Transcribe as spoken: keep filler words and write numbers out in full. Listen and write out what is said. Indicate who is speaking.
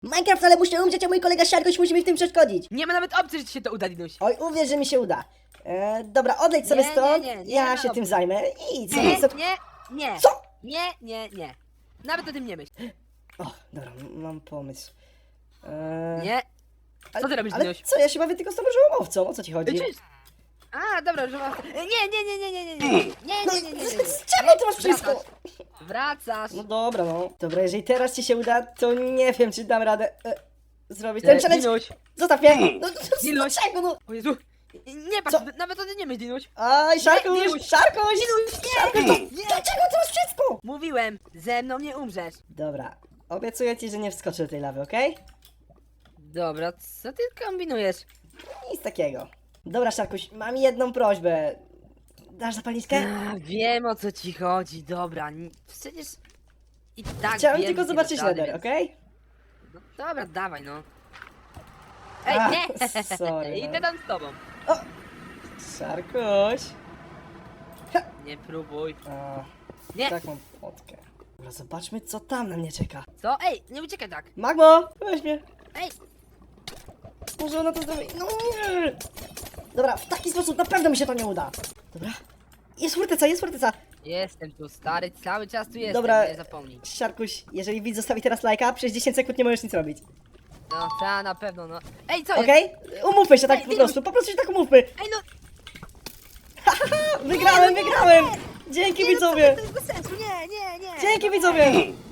Speaker 1: Minecraft, ale muszę umrzeć, a mój kolega Siarkoś musi mi w tym przeszkodzić.
Speaker 2: Nie ma nawet opcji, że ci się to uda, Dinuś.
Speaker 1: Oj, uwierz, że mi się uda. E, dobra, odejdź sobie
Speaker 2: Nie, nie,
Speaker 1: stąd,
Speaker 2: nie, nie
Speaker 1: ja
Speaker 2: ma
Speaker 1: się tym
Speaker 2: opcji.
Speaker 1: zajmę i co?
Speaker 2: Nie,
Speaker 1: co?
Speaker 2: nie, nie.
Speaker 1: Co?
Speaker 2: Nie, nie, nie. Nawet o tym nie myśl.
Speaker 1: O, dobra, m- mam pomysł. E,
Speaker 2: Nie.
Speaker 1: ale-
Speaker 2: Co ty robisz,
Speaker 1: Ale
Speaker 2: Dinuś?
Speaker 1: co, ja się bawię tylko z tą różową owcą, o co ci chodzi?
Speaker 2: Ty czyś? A, dobra, że masz... Nie, nie, nie, nie, nie, nie, nie, nie, nie,
Speaker 1: No,
Speaker 2: nie, nie, nie, nie.
Speaker 1: z czego ty masz wszystko?
Speaker 2: Wracasz. Wracasz.
Speaker 1: No dobra, no. Dobra, jeżeli teraz ci się uda, to nie wiem, czy dam radę e, zrobić
Speaker 2: E,
Speaker 1: ten challenge.
Speaker 2: Dinuś.
Speaker 1: Zostaw mnie! No, no, no
Speaker 2: Dinuś.
Speaker 1: czego, no?
Speaker 2: O Jezu. Nie patrz,
Speaker 1: Co?
Speaker 2: nawet o tym nie myśl, Dinuś.
Speaker 1: Aj, Szarkuś,
Speaker 2: Dinuś.
Speaker 1: Szarkuś!
Speaker 2: Dinuś,
Speaker 1: Szarkuś,
Speaker 2: nie,
Speaker 1: to,
Speaker 2: nie.
Speaker 1: dlaczego ty masz wszystko?
Speaker 2: Mówiłem, ze mną nie umrzesz.
Speaker 1: Dobra, obiecuję ci, że nie wskoczę do tej lawy, okej?
Speaker 2: Dobra, co ty kombinujesz?
Speaker 1: Nic takiego. Dobra, Szarkuś, mam jedną prośbę. Dasz zapalniczkę?
Speaker 2: A, wiem o co ci chodzi, dobra. n- Przecież i tak
Speaker 1: Chciałem
Speaker 2: wiem,
Speaker 1: tylko
Speaker 2: że nie
Speaker 1: zobaczyć
Speaker 2: dasz rady,
Speaker 1: Nether,
Speaker 2: więc-
Speaker 1: okej?
Speaker 2: No, dobra, dawaj no. Ej,
Speaker 1: A,
Speaker 2: nie!
Speaker 1: sorry,
Speaker 2: Idę
Speaker 1: no.
Speaker 2: tam z tobą.
Speaker 1: Szarkuś.
Speaker 2: Nie próbuj.
Speaker 1: A,
Speaker 2: Nie!
Speaker 1: tak mam potkę. Dobra, zobaczmy, co tam na mnie czeka.
Speaker 2: Co? Ej, nie uciekaj tak.
Speaker 1: Magmo, weź mnie.
Speaker 2: Ej,
Speaker 1: Może ona to zrobi. No nie! Dobra, w taki sposób na pewno mi się to nie uda. Dobra. Jest forteca, jest forteca.
Speaker 2: jestem tu stary, cały czas tu jestem,
Speaker 1: Dobra.
Speaker 2: nie zapomnij.
Speaker 1: Siarkuś, jeżeli widz zostawi teraz lajka, przez dziesięć sekund nie możesz nic robić.
Speaker 2: No, ta na pewno, no. Ej, co jest?
Speaker 1: Okej? Umówmy się tak
Speaker 2: Ej,
Speaker 1: po
Speaker 2: ty
Speaker 1: prostu, po prostu się tak umówmy.
Speaker 2: Ej, no,
Speaker 1: Wygrałem, wygrałem! Dzięki
Speaker 2: nie, no, co
Speaker 1: widzowie!
Speaker 2: ty, to jest bez sensu, nie, nie, nie.
Speaker 1: Dzięki widzowie!